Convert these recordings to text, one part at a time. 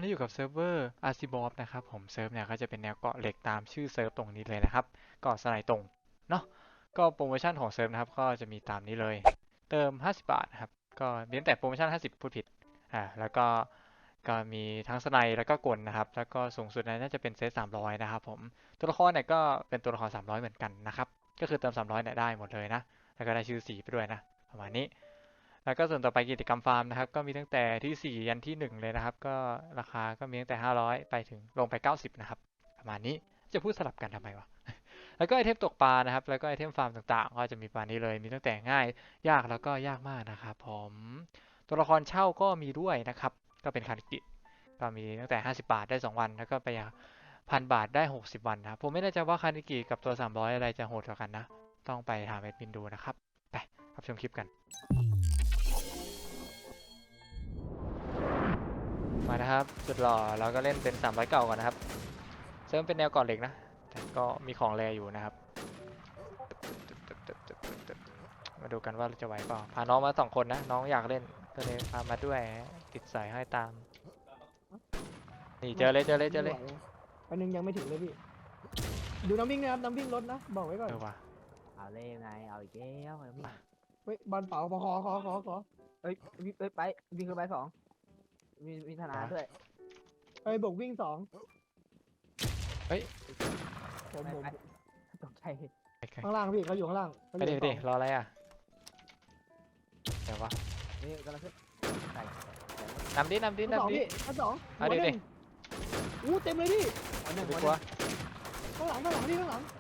อนนี้อยู่กับเซิร์ฟเวอร์ Archibald นะครับผมเซิร์ฟเนี่ยก็จะเป็นแนวเกาะเหล็กตามชื่อเซิร์ฟตรงนี้เลยนะครับเกาะสไลด์ตรงเนาะก็โปรโมชั่นของเซิร์ฟนะครับก็จะมีตามนี้เลยเติม50บาทนะครับก็มีตั้งแต่โปรโมชั่น50พูดผิดแล้วก็มีทั้งสไลด์แล้วก็กลนะครับแล้วก็สูงสุดน่าจะเป็นเซต300นะครับผมตัวละครเนี่ยก็เป็นตัวละคร300เหมือนกันนะครับก็คือเติม300เนี่ยได้หมดเลยนะแล้วก็ได้ชื่อสีไปด้วยนะประมาณนี้ แล้วก็ส่วนต่อไปกิจกรรมฟาร์มนะครับก็มีตั้งแต่ที่4ยันที่1เลยนะครับก็ราคาก็มีตั้งแต่500ไปถึงลงไป90นะครับประมาณนี้จะพูดสลับกันทำไมวะแล้วก็ไอเทมตกปลานะครับแล้วก็ไอเทมฟาร์มต่างๆก็จะมีประมาณนี้เลยมีตั้งแต่ง่ายยากแล้วก็ยากมากนะครับผมตัวละครเช่าก็มีด้วยนะครับก็เป็นคาริกิก็มีตั้งแต่50บาทได้2วันแล้วก็ไป1,000 บาทได้60วันนะครับผมไม่แน่ใจว่าคาริกิกับตัว300อะไรจะโหดกว่ากันนะต้องไปถามแอดมินดูนะครับไปรับชมคลิปกัน มานะครับสุดหล่อเราก็เล่นเป็น300เก่าก่อนนะครับเซิร์ฟเป็นแนวก่อนเหล็กนะแต่ก็มีของแรอยู่นะครับมาดูกันว่าจะไหวเปล่าพาน้องมา2 คนนะน้องอยากเล่นก็เลยพามาด้วยติดสายให้ตามนี่เจอเลยอันนึงยังไม่ถึงเลยพี่ดูน้ำวิ่งนะครับน้ำวิ่งรถนะบอกไว้ก่อนว่ะเอาเล่ไงเอาอีกแล้วพี่เฮ้ยบอลเป๋าขอเอ้ยไปวิ่งขึ้นไป2มีธนาด้วยเฮ้ยบวกวิ่ง2ผมไปตกใจข้างล่างพี่เขาอยู่ข้างล่างเขาอไปยู่ดิรออะไรอ่ะเดี๋ยววะนี่กำลังขึ้นใส่นำดิชั้น2พี่ชั้น2 เอาดิอู้เต็มเลยพี่เอาหนึ่งดีวันกว่าข้างหลังพี่ข้างหลัง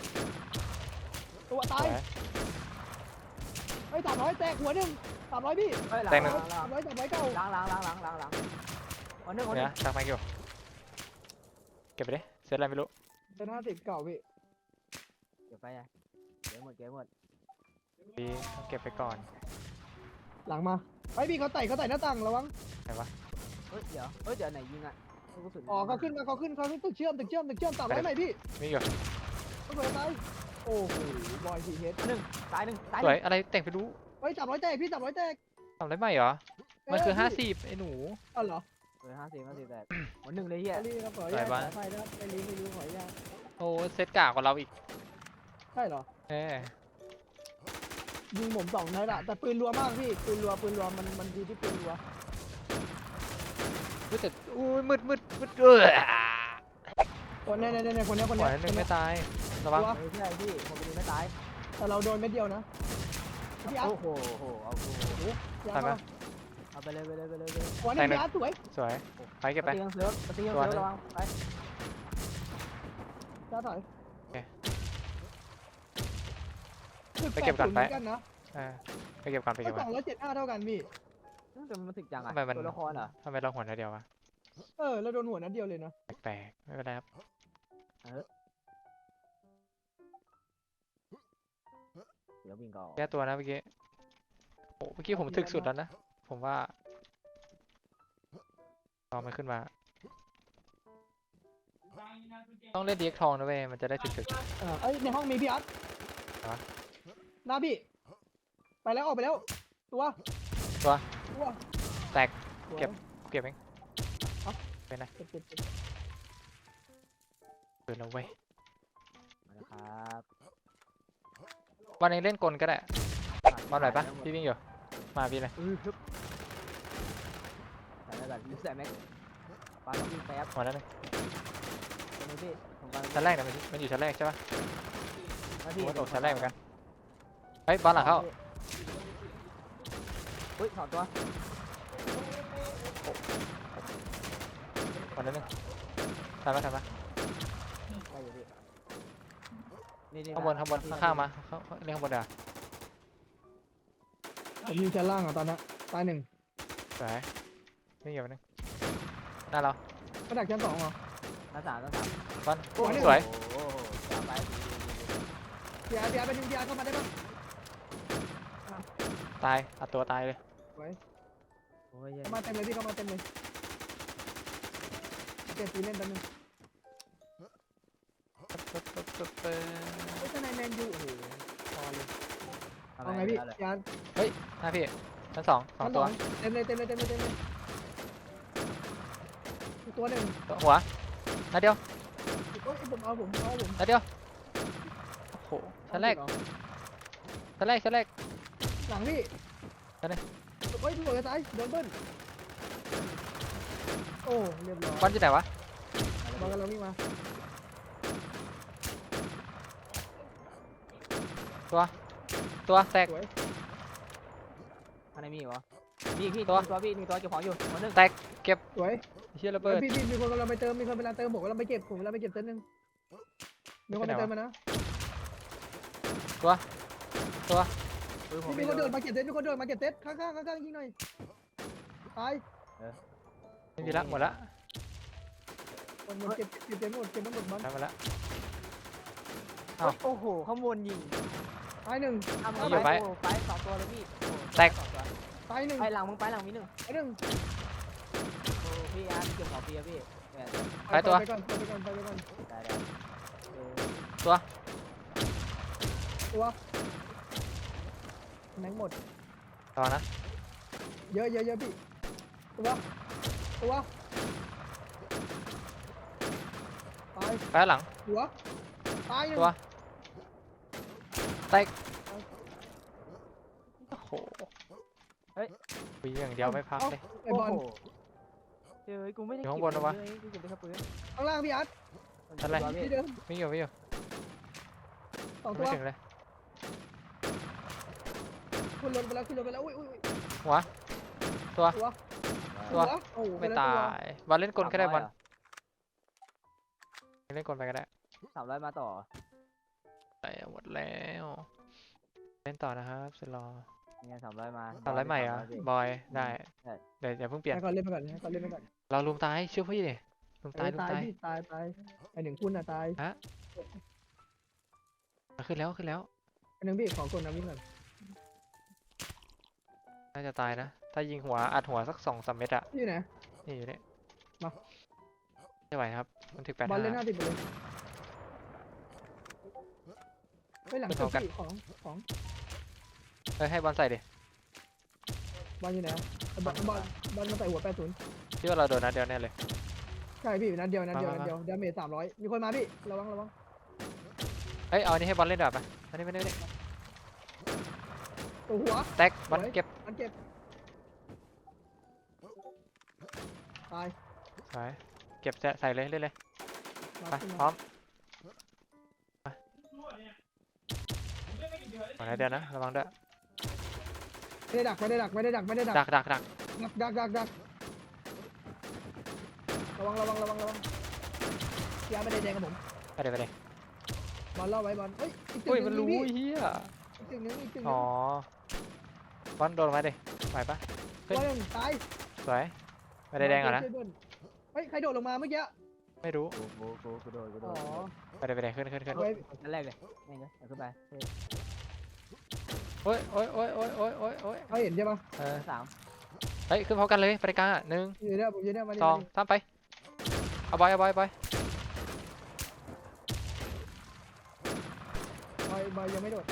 ตัวตายเฮ้ย300แตกหัว1 300พี่300เก้าล้างวันหนึ่งเนี่ยตักมาเกี่ยวเก็บไปดิเซตอะไรไม่รู้เป็น50เก่าพี่เก็บไปไงเก็บหมดดีต้องเก็บไปก่อนหลังมาไอ้พี่เขาไต่หน้าต่างระวังไหนวะเดี๋ยวไหนยิงอ่ะกระสุนอ๋อเขาขึ้นตึกเชื่อม300ไหนพี่มีอยู่เขาเปิดตายโอ้โหบอย4เฮดตายหนึ่งสวยอะไรแต่งไปรู้เฮ้ย300แตกพี่300แตกทำอะไรใหม่เหรอมันคือ50ไอ้หนูอ๋อเหรอ 50แต่วันหนึ่งเลยเฮียรีครับขออนุญาตขอไฟนะครับไม่รู้ขออนุญาตโอ้เซตกากกว่าเราอีกใช่เหรอเอยิงผม2นัดอะแต่ปืนรัวมากพี่ปืนรัวมันดีที่ปืนรัวแต่อุ้ยมืดคนเนี่ยคนเนี้ยปล่อยหนึ่งไม่ตายระวังไม่ใช่พี่ผมไปดูไม่ตายแต่เราโดนเม็ดเดียวนะพี่อาร์ตโอ้โหเอากูตายไหมเอาไปเลยหัวหนึ่งพี่อาร์ตสวยสวยไปเก็บไปตีเซิร์ฟระวังไปจ้าถอยไปเก็บก่อนไปกันนะไปเก็บก่อนก็275เท่ากันพี่แต่มันถึกจังอ่ะทำไมมันตัวละครเหรอทำไมเราหัวเดียววะเราโดนหัวนัดเดียวเลยนะแปลกๆไม่เป็นไรครับเดี๋ยววิ่งก่อนแก้ตัวนะเมื่อกี้โอ้เมื่อกี้ผมถึกสุดแล้วนะผมว่าลองมันขึ้นมาต้องเล่นดีเอ็กทองนะเว้ยมันจะได้ถึกเอ้ยในห้องมีพี่อาร์ตหน้าพี่ไปแล้วออกไปแล้วตัวแตกเก็บเองเป็นไงปืนแล้วเว้ยนะครับวันนี้เล่นกลก็ได้มาหน่อยปะพี่วิ่งอยู่มาพี่เลยใส่แบบยูใส่แม็กปาต้องวิ่งแป๊บหมดแล้วเลยตรงนี้พี่ผมกำลังชั้นแรกเนี่ยมันอยู่ชั้นแรกใช่ปะพี่ผมตกชั้นแรกเหมือนกันเฮ้ยบอลหลังเข้าอุ้ยถอดตัวหมดแล้วนึงทันปะได้อยู่พี่นี่ข้างบนข้างๆมาเล่นข้างบนเดี๋ยวผมอยู่ชั้นล่างอ่ะตอนนั้นตาย1 สวยวิ่งอยู่นึงหน้าเรามาดักชั้น2เหรอหน้าสามบอลสวยโอ้ไปพี่อาร์ตไปดึงพี่อาร์ตเข้ามาได้ปะตายอัดตัวตายเลยโอ้ยเข้ามาเต็มเลยพี่เข้ามาเต็มเลยเก็บตีเล่นแป๊บนึงไอ้ทนายแมนยูโอ้โหพอเลยเอาไงพี่พี่อาร์ตหน้าพี่ชั้น2ตัวเต็มเลยตัวหนึ่งหัวนัดเดียวโอ้ยผมเอาผมนัดเดียวโอ้โหชั้นแรกเอาชั้นแรกชั้นแรกหลังพี่ชั้นไหนโอ้ยพี่บอกจะตายโดนเบิ้ลโอ้เรียบร้อยบอลอยู่ไหนวะบอลกำลังวิ่งมาตัวแตกสวยข้างในมีอีกเหรอมีอีกพี่ตัวตัวพี่มีตัวเก็บของอยู่ตัวหนึงแตกเก็บสวยเฮียระเบิดพี่มีคนกำลังไปเติมมีคนกำลังเติมผมกำลังไปเก็บผมกำลังไปเก็บเต็นท์นึงมีคนไปเติมมานะปืนผมมีไม่คนโดเดินนมาเก็บเต็นท์มีคนเดินมาเก็บเต็นท์ข้างยิงหน่อยตายไม่มีละหมดละคนเก็บเต็นท์หมดเก็บทั้งหมดบอลได้มาละโอ้โหข้างบนยิงตายหนึ่งทำอยู่ไปไปสองตัวเลยพี่โอ้แตกสองตัวตายหนึ่งไปหลังมึงไปหลังมีหนึ่งตายหนึ่งโอ้พี่อาร์ตเก็บของพี่อะพี่เนี่ยไปก่อนไปก่อนได้ได้เออตัวแม็กหมดต่อนะเยอะพี่ตัวตายไปข้างหลังหัวตายหนึ่งตัวแตกโอ้โหวิ่งอย่างเดียวไม่พักเลยไอ้บอลโโหเฮ้ยกูไม่ได้อยู่เก็ข้างบนนะวะเลยกูเก็บได้แค่ปืนข้างล่างพี่อาร์ตอะไรตัวพี่ที่เดิมวิ่งอยู่วิ่งอยู่สองตัไม่วถึงเลยขึ้นรถไปแล้วอุ้ยหัวตัว ตัวโอ้โหไม่ตายบอลเล่นกลก็ได้บอลเล่นกลไปก็ได้ 300มาต่อไปหมดแล้วเล่นต่อนะครับเสร็จรอเนี่ย300มาทำไรใหม่อ่ะ 300พี่บอยได้ใช่เดี๋ยวอย่าเพิ่งเปลี่ยนให้ก่อนเล่นไปก่อนเราลุมตายเชื่อพี่ดิลุมตายลุมตายตายพี่ตายไอ้หนึ่งคุณอ่ะตายขึ้นแล้วขึ้นแล้วไอ้หนึ่งพี่ขอกดน้ำวิ่งก่อนน่าจะตายนะ ถ้ายิงหัวอัดหัวสัก2-3 เม็ดอะอยู่ไหนนี่อยู่นี่มาไม่ไหวครับ มันถึงบอลเล่นห 85 น้าติดไปเลยไปหลังตึกพี่ของเฮ้ยให้บอลใส่ดิบอลอยู่ไหนบอลมาใส่หัว80 พี่ว่าเราโดนนัดเดียวแน่เลยใช่พี่นัดเดียวดาเมจ300มีคนมาพี่ระวังเอ้ยเอาอันนี้ให้บอลเล่นดีกว่าปะอันนี้ไม่ได้ตัวหัวแตกบอลเก็บมันเก็บตายไปเก็บใส่เลยเล่นเลยมาไปขึ้นพร้มาอมไปนัดเดียวนะระวังด้วยไม่ได้ดักดักดักระวังยาไม่ได้แดงกับผมไปเดี๋ยวไปเดี๋ยวบอลล่อไว้บอลเฮ้ยอีกอุ้ยตึมันกรู้นึงเฮียอีกตึกนึงอ๋อบอลโดนมาดิไหวปะบอลตายสวยไม่ได้แดงอ่ะนะเฮ้ยใครโดดลงมาเมื่อกี้ไม่รู้กูโดนอ๋อไปเดี๋ยวไปเดี๋ยวขึ้นไว้นั่นแรกเลยนี่ไงเอาขึ้นไปเฮ้ยโอ้ยเขาเห็นใช่ปะสามเฮ้ยขึ้นพร้อมกันเลยไปกลางอ่ะ1 อยู่เนี่ยผมอยู่เนี่ยมาดิ 2 3ไปเอาบอยบอยยังไม่โดด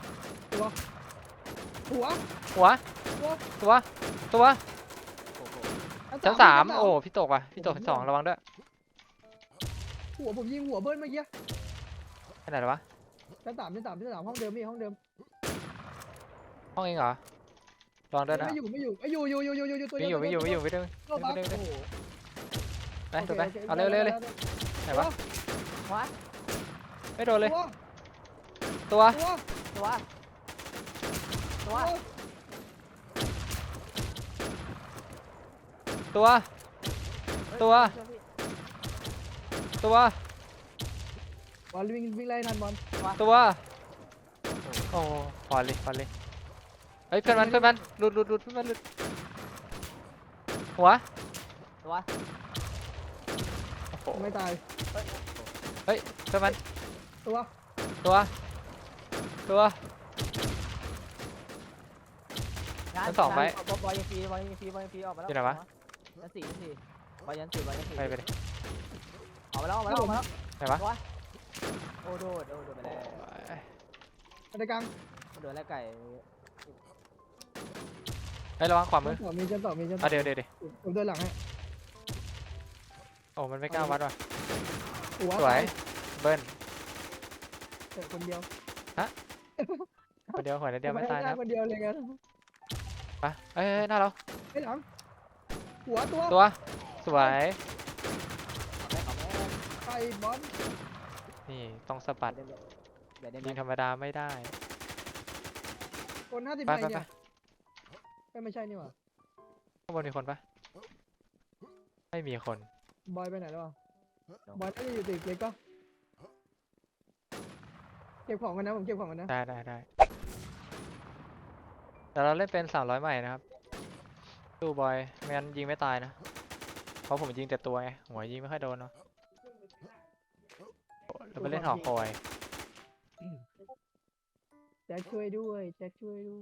หัวหัวตัวโอ้โหชั้น3โอ้พี่ตกว่ะพี่ตกชั้น2ระวังด้วยหัวผมยิงหัวเบิ้ลเมื่อกี้ไปไหนแล้ววะชั้นสามห้องเดิมพี่ห้องเดิมห้องเองเหรอระวังด้วยนะไม่อยู่ตัววิ่งอยู่ไปดึงโอ้โหไปโดนไปเอาเร็วเลยไหนวะว้าไม่โดนเลยตัวตัวตัวตัว ตัว ตัวบอลวิ่งไล่ทันบอลตัวโอ้พอเลยเฮ้ยเพื่อนมันหลุดเพื่อนมันหลุดหัวตัวโอ้โหไม่ตายเฮ้ยเพื่อนมันตัวชั้นสองไปบอลยังฟรีออกมาแล้วอยู่ไหนวะชั้นสี่บอลยันสี่ไปเลยออกมาแล้วไหนวะโอ้โดดไปแล้วในกลางโดดแล้วไก่เฮ้ยระวังขวามือมีชั้นสองเดี๋ยวผมเดินหลังให้โอ้มันไม่กล้าวัดว่ะหัวสวยเบิ้ลแต่คนเดียวคนเดียวหัวนิดเดียวไม่ตายนะคนเดียวเลยกันไปเอ้ยหน้าเราไอ้หลังหัวตัวตัวสวยไก่บอลนี่ต้องสะบัดเดี๋ยวได้ไหมยิงธรรมดาไม่ได้คน50 ไปใบไปไปเนี่ยไม่ใช่นี่หว่าข้างบนมีคนปะไม่มีคนบอยไปไหนแล้ววะบอยน่าจะอยู่ตึกเล็กปะเก็บของกันนะผมเก็บของกันนะได้แต่เราเล่นเป็น300ใหม่นะครับตู้บอยไม่งั้นยิงไม่ตายนะเพราะผมยิงแต่ตัวไงหัวยิงไม่ค่อยโดนเนาะเราไปเล่นหอคอยแจ็คช่วยด้วยแจ็คช่วยด้วย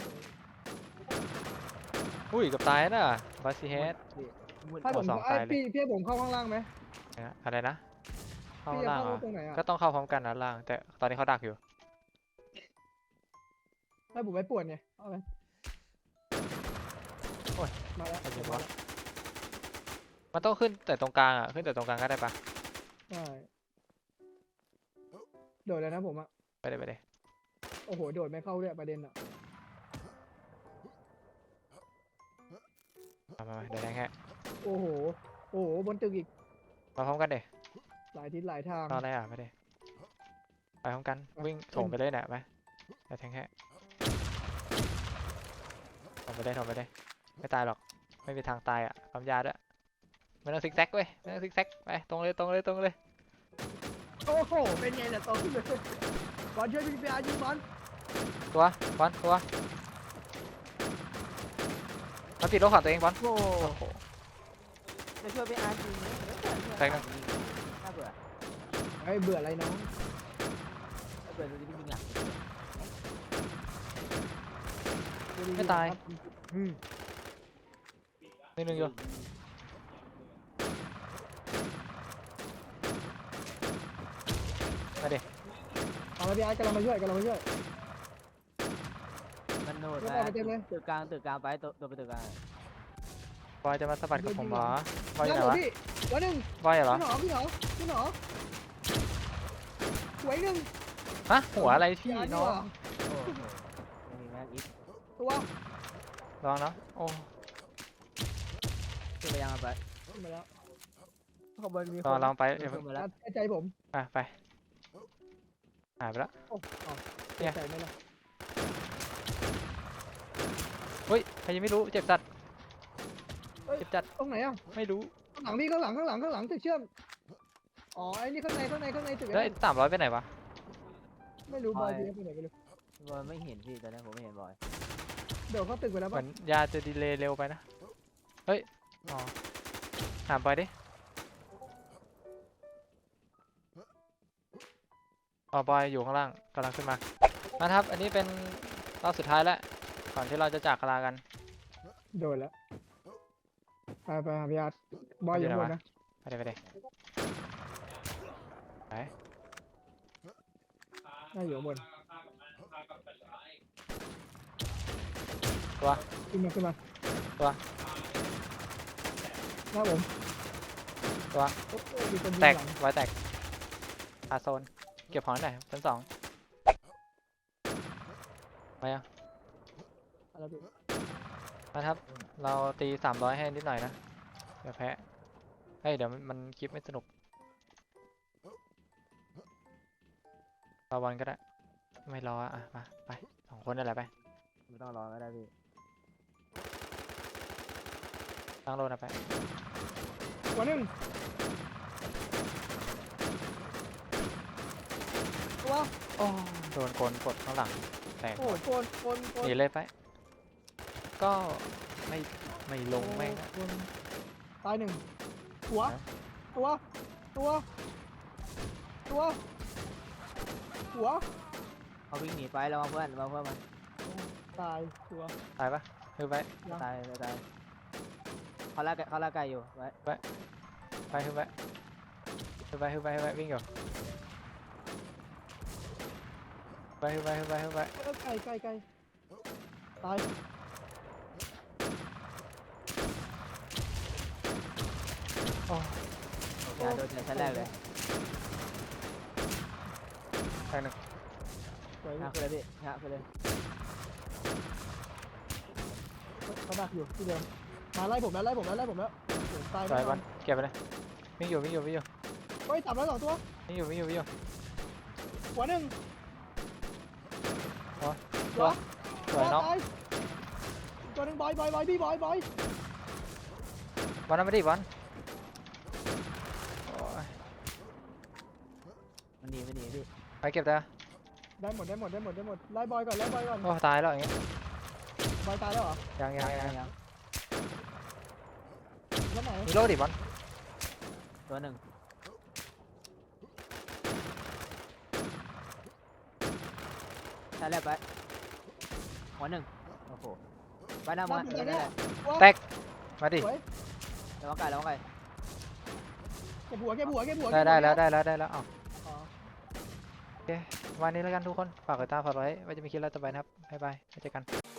อุ้ยเกับตายน่ะบาซิเฮดมืดถ้าผมสองไอ้ตายเลยพี่ให้ผมเข้าข้างล่างไหมอะไรนะเข้าพี่จะล่างเข้าเหรอตรงไหนอ่ะก็ต้องเข้าพร้อมกันนะล่าง แต่ตอนนี้เขาดักอยู่ให้ผมไปปวดไงเอาไปโอ้ยมาแล้วใครยิงวะ มันต้องขึ้นแต่ตรงกลางอ่ะขึ้นแต่ตรงกลางก็ได้ปะใช่โดดแล้วนะผมอ่ะไปเลยโอ้โหโดดไม่เข้าด้วยประเด็นอ่ะมาเดี๋ยวแทงแค่โอ้โหบนตึกอีกมาพร้อมกันเดี๋หลายทิศหลายทางรออะไรอ่ะไปเดี๋ไปพร้อมกันไปวิ่งโถงไปเลยเนี่ยไปเดี๋ยวแทงแค่โถงไปเลยไม่ตายหรอกไม่มีทางตายอ่ะความยาด้วยไม่ต้องซิกแซกเว้ยไม่ต้องซิกแซกไปตรงเลยโอ้โหเป็นไงเนี่ยโตขึ้นเลยบอลช่วยพี่ไปอายิงบอลตัวบอลตัวมันติดรถของตัวเองบอลโอ้โอ้โหจะช่วยไปอาร์จริงแป๊บนึงน่าเบื่อไอ้ยเบื่ออะไรน้องน่าเบื่อดูดิจริงๆอ่ะไม่ตายอืมนิดนึงอยู่มาดิเอาละพี่อาร์ตกำลังมาช่วยมันโนดยกออกไปเต็มเลยตึกกลางไปตัวไปตึกกลางบอยจะมาสะบัดกับผมเหรอบอยอแล้ยู่วไหนเดี๋ยววะพี่วันหนึ่งบอยเหรอพี่หนอสวยหนึ่งฮะหัวอะไรพี่าร์ตน้องดีกว่าโอ้โหมีแม็กอีกตัวลองเนาะโอ้ขึ้นไปยังไปขึ้นมาแล้วข้างบนมีลองไปเดี๋ยวขึ้นมาแล้วใจผมไปหายไปแล้วโอ้อ๋อเนี่ยใจไหมล่ะเฮ้ยใครยังไม่รู้เจ็บจัดเจ็บจัดตรงไหนอ่ะไม่รู้ข้างหลังพี่ข้างหลังตึกเชื่อมอ๋อไอ้นี่ข้างในตึกแล้ว300ไปไหนวะไม่รู้บอยพี่ไปไหนไม่รู้บอยไม่เห็นพี่ตอนนี้ผมไม่เห็นบอยเดี๋ยวเขาตึกไปแล้วเหมืป่ะอนยาจะดีเลย์เร็วไปนะเฮ้ยอ๋อถามไปดิอ๋อบอยอยู่ข้างล่างกำลังขึ้นมานะครับ อันนี้เป็นรอบสุดท้ายแล้วก่อนที่เราจะจากลากันโดนแล้วไปหาพี่อาร์ตบอยอยู่ข้างบนนะไปเลยไปน่าอยู่ข้างบนตัวขึ้นมาตัวหน้าผมตัวโอ้โหมีคนยิงแตกหลังไว้แตกอาโซนเก็บของหน่อยชั้น 2มายังอะไรพี่มาครับ เราตี300ให้นิดหน่อยนะเดี๋ยวแพ้เฮ้ยเดี๋ยวมันคลิปไม่สนุกรอบอลก็ได้ไม่รออ่ะมาไป2 คนนั่นแหละไปไม่ต้องรอก็ได้พี่ตั้งโลนะไปวันหนึ่งตัวโอ้โดนโกนกดข้างหลังแตกโอ้โกนหนีเลยไป ก็ไม่ลงแม่งอะโกนตายหนึ่งตัว หัวเขาวิ่งหนีไปแล้วเพื่อนมันตายตัวตายปะคือไปตายเขาล่าไก่อยู่ไว้ไปคือไปวิ่งอยู่ไปไกลตายโอ้โอ้อย่าโดนแต่ชั้นแรกเลยแตกหนึ่งสวยหาคือเลยพี่หาคือเลยเขาดักอยู่ที่เดิมมาไล่ผมแล้วโอ้โหตายสวยแน่นบออน ลเก็บไปเลยวิ่งอยู่เฮ้ย300 2ตัววิ่งอยู่หัวหนึ่งตัวเหรอสวยเนาะตายตัวหนึ่งบอยพี่บอยบอลนั่นไม่ได้บอลโอ้ยมันหนีพี่ไปเก็บได้ได้หมดไล่บอยก่อนโอ้ตายแล้วอย่างเงี้ยบอยตายแล้วเหรอยังยังแล้วไหนมีโลดิบอลตัวหนึ่งชั้นแรกไปหัวหนึ่งโอ้โหไปหน้ามานั่นแหละแตกมาดิสวยระวังไก่เก็บหัวได้แล้วเอาอ๋อโอเควันนี้แล้วกันทุกคนฝากกดติดตามฝากไว้ไว้จะมีคลิปแล้วต่อไปนะครับบ๊ายบายไว้เจอกัน